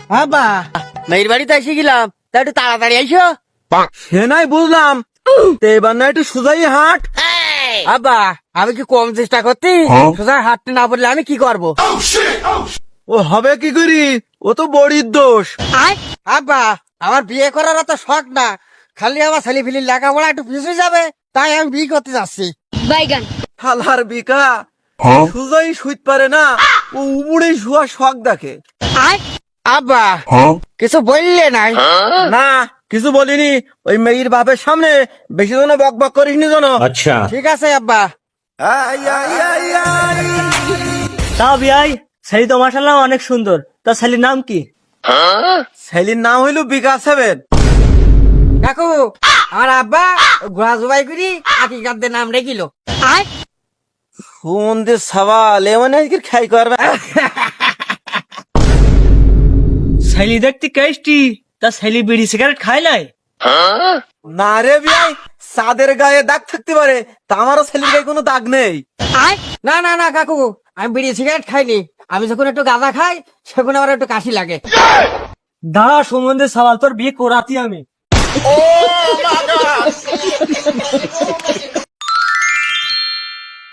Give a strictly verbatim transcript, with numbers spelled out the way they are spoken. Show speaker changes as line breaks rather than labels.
আব্বা মেয়ের বাড়িতে এসে গেলাম, তা একটু তাড়াতাড়ি আইসো।
সে নাই বুঝলাম, তো এবার না একটু সোজাই হাট।
আব্বা আমি কি কম চেষ্টা করতি? সোজা হাঁটতে না পারলে আমি কি করব?
ও হবে কি করি, ও তো বড়ির দোষ।
আব্বা আমার বিয়ে করার তো শখ না, খালি আমার ছেলে ফিলির লেখাপড়া একটু পিছিয়ে যাবে, তাই আমি বিয়ে করতে যাচ্ছি।
বাইগান
হালার বিকা সোজাই শুইতে পারে না, ও উবুড়ে শুয়া শখ দেখে।
আব্বা কিছু বললে নাই?
না কিছু বলিনি, ওই মেয়ের বাপের সামনে বেশি জন বক বক করিস নি জন।
अच्छा
ঠিক আছে আব্বা।
তা বিয়াই ছেলে তো মাশাআল্লাহ অনেক সুন্দর, তা ছেলের নাম কি?
ছেলের নাম হইল বিকাশ সেভেন।
কাকু আমার আব্বা ঘোড়া জবাই করি আকিকারদের নাম রেখিল।
সুমন্দির সওয়াল এ মানে আজকে খাই করবে।
ছেলে দেখতে কেষ্টি, তা ছেলে বিড়ি সিগারেট খায় নাই?
না রে বিয়াই, চাঁদের গায়ে দাগ থাকতে পারে, তা আমারও ছেলের গায়ে কোনো দাগ নেই।
না না না কাকু, আমি বিড়ি সিগারেট খাইনি। আমি যখন একটু গাঁজা খাই সেখানে আমার একটু কাশি লাগে।
দাঁড়া সম্বন্ধে সওয়াল, তোর বিয়ে করাতি আমি।